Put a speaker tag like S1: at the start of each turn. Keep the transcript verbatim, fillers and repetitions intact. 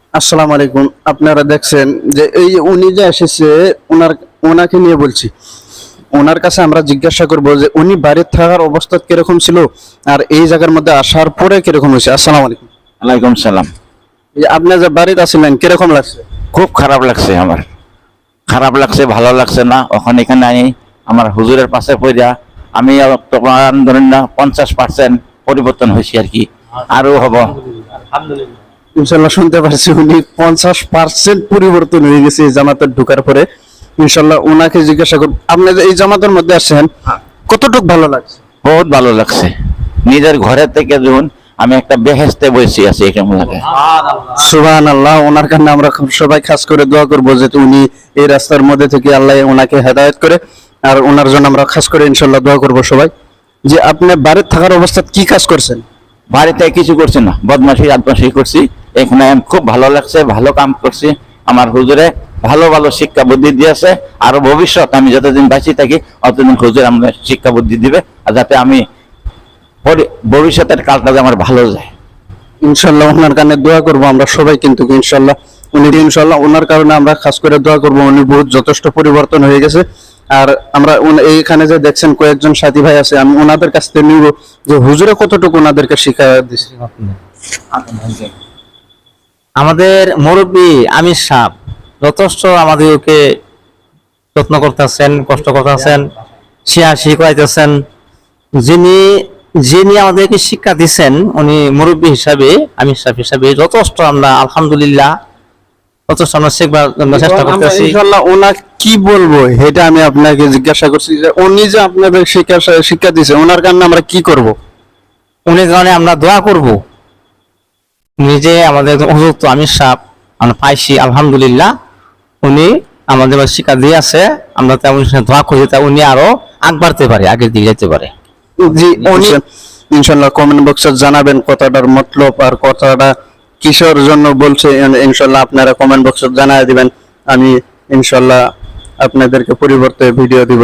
S1: আসসালামু আলাইকুম। আপনারা দেখছেন যে এই উনি যে এসেছে, ওনার ওনাকে নিয়ে বলছি। ওনার কাছে আমরা জিজ্ঞাসা করব যে উনি বাড়িতে থাকার অবস্থা কিরকম ছিল আর এই জায়গার মধ্যে আসার পরে কিরকম হয়েছে। আসসালামু আলাইকুম।
S2: ওয়ালাইকুম সালাম।
S1: এই যে আপনি যে বাড়িতে আছিলেন কিরকম লাগছে?
S2: খুব খারাপ লাগছে, আমার খারাপ লাগছে, ভালো লাগছে না। ওখানে এখানে আনি আমার হুজুরের পাশে পড়িয়া আমি তোমার ধরেন না পঞ্চাশ পার্সেন্ট পরিবর্তন হয়েছি আর কি, আরো হব।
S1: ইনশাল্লাহ শুনতে পারছি উনি পঞ্চাশ পার্সেন্ট পরিবর্তন হয়ে গেছে এই জামাতে ঢোকার পরে। ইনশাল্লাহ ওনাকে জিজ্ঞাসা করব, আপনি যে এই জামাতের মধ্যে আসছেন কতটুকু ভালো লাগছে?
S2: বহুত ভালো লাগছে। নিজের ঘরের থেকে যখন আমি একটা বেহেস্তে বসে আছি কেমন লাগে।
S1: সুবহানাল্লাহ। ওনার কারণে আমরা খুব সবাই খাস করে দোয়া করবো যে উনি এই রাস্তার মধ্যে থেকে আল্লাহ ওনাকে হেদায়েত করে, আর ওনার জন্য আমরা খাস করে ইনশাল্লাহ দোয়া করবো সবাই। যে আপনি বাড়িতে থাকার অবস্থা কি কাজ করছেন?
S2: বাড়িতে কিছু করছি না, বদমাশি আদমাশি করছি। এখানে খুব ভালো লাগছে, ভালো কাম করছি। আমার হুজুরে ভালো ভালো শিক্ষা বুদ্ধি দিয়েছে। আর ভবিষ্যৎ আমি যতদিন বাঁচি থাকি অতদিন হুজুর আমাদের শিক্ষা বুদ্ধি দিবে, আর যাতে আমি পরি- ভবিষ্যতের কালটা যে আমার ভালো যায়।
S1: ইনশাল্লাহ ওনার কারণে দোয়া করবো আমরা সবাই, কিন্তু ইনশাল্লাহ উনি ইনশাল্লাহ ওনার কারণে আমরা খাস করে দোয়া করবো। উনি বহুত যথেষ্ট পরিবর্তন হয়ে গেছে। আর আমরা উন- এইখানে যে দেখছেন কয়েকজন সাথী ভাই আছে, আমি ওনাদের কাছ থেকে নিব যে হুজুরে কতটুকু ওনাদেরকে শিক্ষা দিচ্ছে।
S3: আমাদের মুরব্বী আমির সাহেব যথেষ্ট আমাদেরকে যত্ন করতেছেন, কষ্ট করতেছেন, শিহাশি করাইতেছেন। যিনি যিনি আমাদেরকে শিক্ষা দিচ্ছেন উনি মুরব্বী হিসাবে, আমির সাহেব হিসাবে যথেষ্ট আমরা আলহামদুলিল্লাহ যথেষ্ট আমরা শেখবার জন্য চেষ্টা
S1: আমরা
S3: করতেছি।
S1: ইনশাল্লাহ ওনা কি বলবো এটা আমি আপনাকে জিজ্ঞাসা করছি যে উনি যে আপনাদের শিক্ষা শিক্ষা দিয়েছে ওনার কারণে আমরা কি করব?
S3: উনি কারণে আমরা দোয়া করব। নিজে আমাদের উপযুক্ত আমির সাহেব আমরা পাইছি আলহামদুলিল্লাহ। উনি আমাদের শিক্ষা দিয়ে আছে, আমরা তেমন দোয়া করি তা উনি আরো আগ বাড়তে পারে, আগের দিকে যেতে পারে।
S1: জি উনি ইনশাল্লাহ কমেন্ট বক্সে জানাবেন কথাটার মতলব আর কথাটা কিসের জন্য বলছে। ইনশাল্লাহ আপনারা কমেন্ট বক্সে জানায় দিবেন, আমি ইনশাল্লাহ আপনাদেরকে পরিবর্তে ভিডিও দিব।